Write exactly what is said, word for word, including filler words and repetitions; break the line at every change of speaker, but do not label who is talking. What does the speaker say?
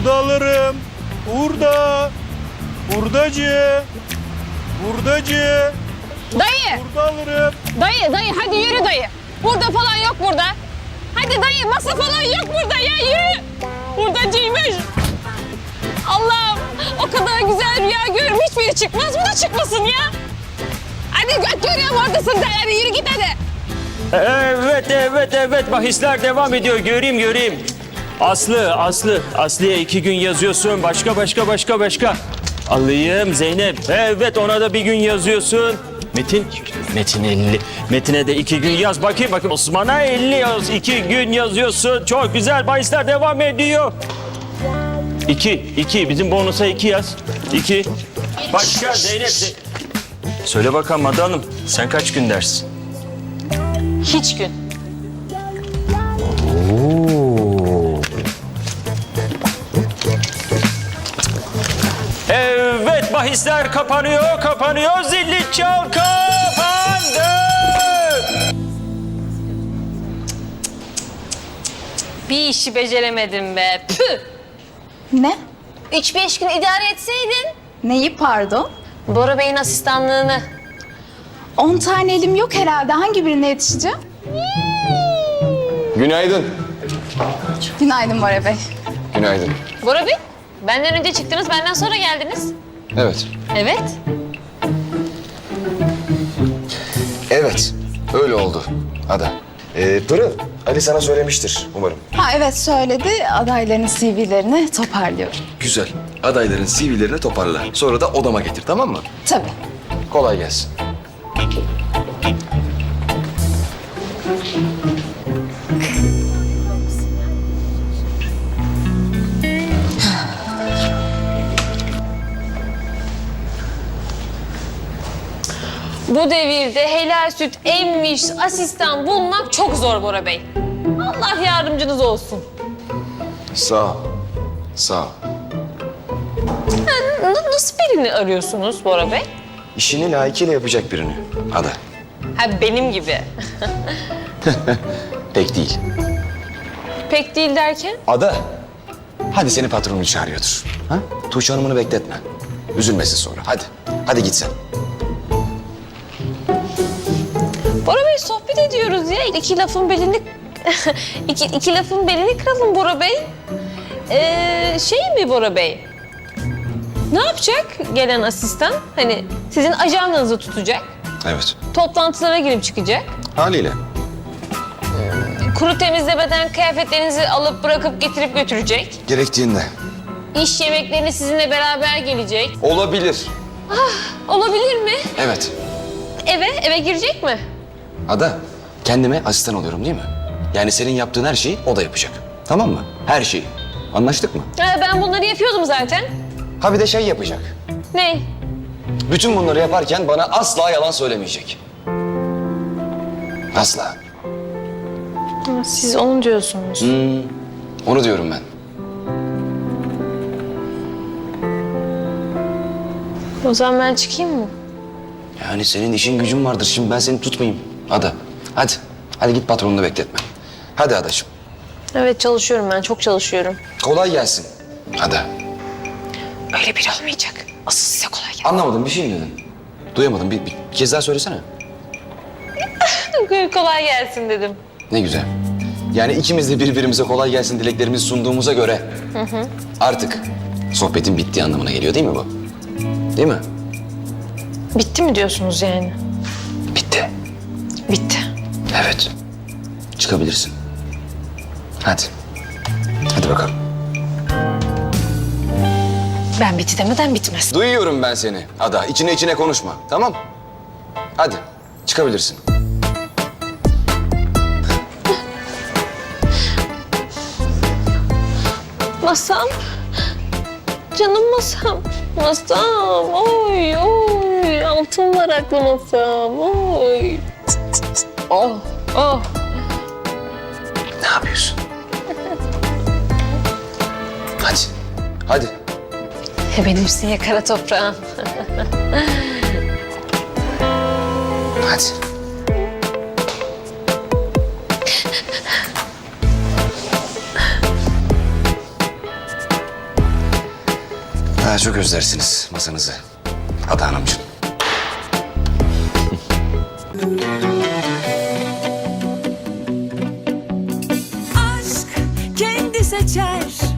Burada alırım. Burada. Buradacı. Buradacı.
Dayı,
Burada alırım.
dayı, dayı hadi yürü dayı. Burada falan yok burada. Hadi dayı masa falan yok burada ya yürü. Buradacıymış. Allah'ım o kadar güzel rüya görürüm hiçbiri çıkmaz bu da çıkmasın ya. Hadi göt görüyorum oradasın sen hadi yürü git hadi.
Evet, evet, evet. Bahisler devam ediyor. Göreyim, göreyim. Aslı, Aslı. Aslı'ya iki gün yazıyorsun. Başka, başka, başka, başka. Alayım Zeynep. Evet, ona da bir gün yazıyorsun. Metin, Metin elli. Metin'e de iki gün yaz. Bakayım, bakayım. Osman'a elli yaz. İki gün yazıyorsun. Çok güzel. Bahisler devam ediyor. İki, iki. Bizim bonusa iki yaz. İki. Başka Zeynep. Ze- Söyle bakalım Ada Hanım. Sen kaç gün dersin?
Hiç gün.
Evet, bahisler kapanıyor, kapanıyor. Zilli çal kapandı.
Bir işi beceremedim be. Püh.
Ne?
Üç beş gün idare etseydin.
Neyi pardon?
Bora Bey'in asistanlığını.
On tane elim yok herhalde. Hangi birine yetişeceğim?
Günaydın.
Günaydın Bora Bey.
Günaydın.
Bora Bey, benden önce çıktınız, benden sonra geldiniz.
Evet.
Evet.
Evet. Öyle oldu Ada. Ee, Pırıl, Ali sana söylemiştir umarım.
Ha evet söyledi. Adayların C V'lerini toparlıyorum.
Güzel. Adayların C V'lerini toparla. Sonra da odama getir, tamam mı?
Tabii.
Kolay gelsin.
Bu devirde helal süt emmiş asistan bulmak çok zor Bora Bey. Allah yardımcınız olsun.
Sağ ol. Sağ ol.
N- nasıl birini arıyorsunuz Bora Bey?
İşini layıkıyla yapacak birini. Ada.
Ha benim gibi.
Pek değil.
Pek değil derken?
Ada. Hadi seni patronun çağırıyordur. Ha? Tuğçe Hanım'ını bekletme. Üzülmesin sonra. Hadi. Hadi git sen.
Bora Bey sohbet ediyoruz ya. İki lafın belini... iki, iki lafın belini kıralım Bora Bey. Ee, şey mi Bora Bey? Ne yapacak gelen asistan? Hani sizin ajandanızı tutacak.
Evet.
Toplantılara girip çıkacak.
Haliyle.
Kuru temizlemeden kıyafetlerinizi alıp bırakıp getirip götürecek.
Gerektiğinde.
İş yemeklerine sizinle beraber gelecek.
Olabilir.
Olabilir mi?
Evet.
Eve, eve girecek mi?
Ada, kendime asistan oluyorum değil mi? Yani senin yaptığın her şeyi o da yapacak. Tamam mı? Her şeyi. Anlaştık mı?
Ha, ben bunları yapıyordum zaten.
Ha bir de şey yapacak.
Ne?
Bütün bunları yaparken bana asla yalan söylemeyecek. Asla.
Ha, siz onu diyorsunuz.
Hmm, onu diyorum ben.
O zaman ben çıkayım mı?
Yani senin işin gücün vardır. Şimdi ben seni tutmayayım. Ada, hadi. Hadi git patronunu bekletme. Hadi Adacığım.
Evet çalışıyorum ben, çok çalışıyorum.
Kolay gelsin. Ada.
Öyle biri olmayacak. Asıl size kolay gelsin.
Anlamadım, bir şey mi dedin? Duyamadım. Bir, bir, bir kez daha söylesene.
Kolay gelsin dedim.
Ne güzel. Yani ikimiz de birbirimize kolay gelsin dileklerimizi sunduğumuza göre... artık sohbetin bittiği anlamına geliyor değil mi bu? Değil mi?
Bitti mi diyorsunuz yani?
Bitti.
Bitti.
Evet. Çıkabilirsin. Hadi. Hadi bakalım.
Ben bitti demeden bitmez.
Duyuyorum ben seni Ada. İçine içine konuşma. Tamam? Hadi. Çıkabilirsin.
Masam. Canım masam. Masam. Oy oy. Altın varaklı masam. Oy. Oh oh.
Ne yapıyorsun? Hadi. Hadi.
Benimsin ya kara toprağım.
Hadi. daha çok özlersiniz masanızı. Ada Hanımcığım.
Aşk kendi seçer